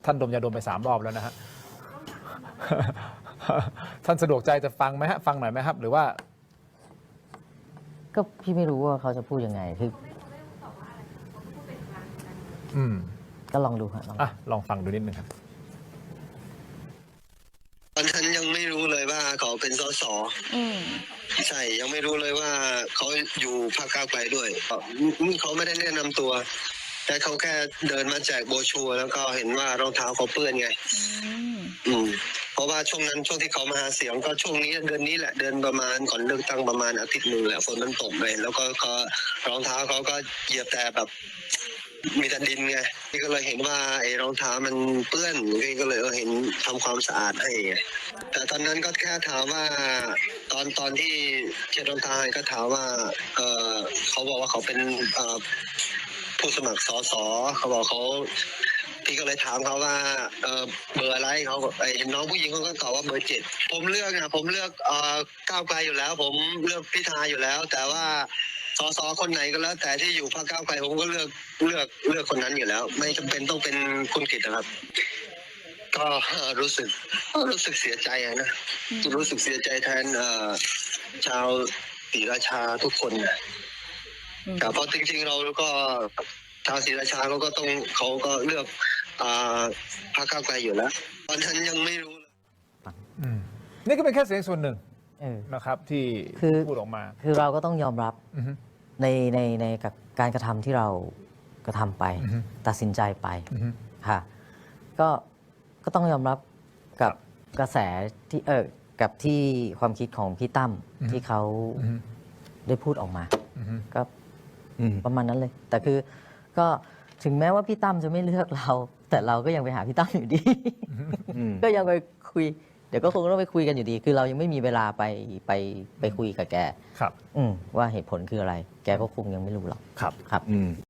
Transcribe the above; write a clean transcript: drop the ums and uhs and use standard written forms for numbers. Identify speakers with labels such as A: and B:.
A: ท่านดมยาดมไป3 รอบแล้วนะฮะ ท่านสะดวกใจจะฟังไหมฮะฟังหน่อยไหมครับหรือว่า
B: ก็พี่ไม่รู้ว่าเขาจะพูดยังไงคือก็ลองดูครับ
A: ลองฟังดูนิดนึงครับ
C: ตอนนั้นยังไม่รู้เลยว่าเขาเป็นสสใช่ยังไม่รู้เลยว่าเขาอยู่พรรคก้าวไกลด้วยเขาไม่ได้แนะนำตัวแต่เขาแค่เดินมาแจกโบรชัวร์แล้วก็เห็นว่ารองเท้าเขาเปื้อนไงเพราะว่าช่วงที่เขามาหาเสียงก็ช่วงนี้เดือนนี้แหละเดือนประมาณก่อนเลือกตั้งประมาณอาทิตย์หนึ่งแหละฝนมันตกเลยแล้วก็รองเท้าเขาก็เหยียบแต่แบบมีแต่ดินไงพี่ก็เลยเห็นว่าไอ้รองเท้ามันเปื้อนพี่ก็เลยเห็นทำความสะอาดให้แต่ตอนนั้นก็แค่ถามว่าตอนที่เช็ดรองเท้าให้ก็ถามว่าเขาบอกว่าเขาเป็นผู้สมัครสสเขาบอกเขาพี่ก็เลยถามเขาว่าเบอร์อะไรเขาเห็นน้องผู้หญิงเขาก็ตอบว่าเบอร์7ผมเลือกก้าวไกลอยู่แล้วผมเลือกพิธาอยู่แล้ว แต่ว่าสสคนไหนก็แล้วแต่ที่อยู่พรรคก้าวไกลผมก็เลือกคนนั้นอยู่แล้ว ไม่จำเป็นต้องเป็นคุณกิตนะครับก็รู้สึกเสียใจนะรู้สึกเสียใจแทนชาวศรีราชาทุกคนนะแต่เพราะจริงๆเราก็ชาวศรีราชาเขาก็เลือกพรรคก้าวไกลอยู่แล้วตอนนั้นยังไม่รู้
A: นี่ก็เป็นแค่เสียงส่วนหนึ่งนะครับที่พูดออกมา
B: คือเราก็ต้องยอมรับในกับการกระทำที่เรากระทำไปตัดสินใจไปค่ะก็ต้องยอมรับกับกระแสที่กับที่ความคิดของพี่ตั้มที่เขาได้พูดออกมาก็ประมาณนั้นเลยแต่คือก็ถึงแม้ว่าพี่ตั้มจะไม่เลือกเราแต่เราก็ยังไปหาพี่ตั้มอยู่ดีก็ยังไปคุยเดี๋ยวก็คงต้องไปคุยกันอยู่ดีคือเรายังไม่มีเวลาไปคุยกับแกว่าเหตุผลคืออะไรแกก็คงยังไม่รู้หรอกครับ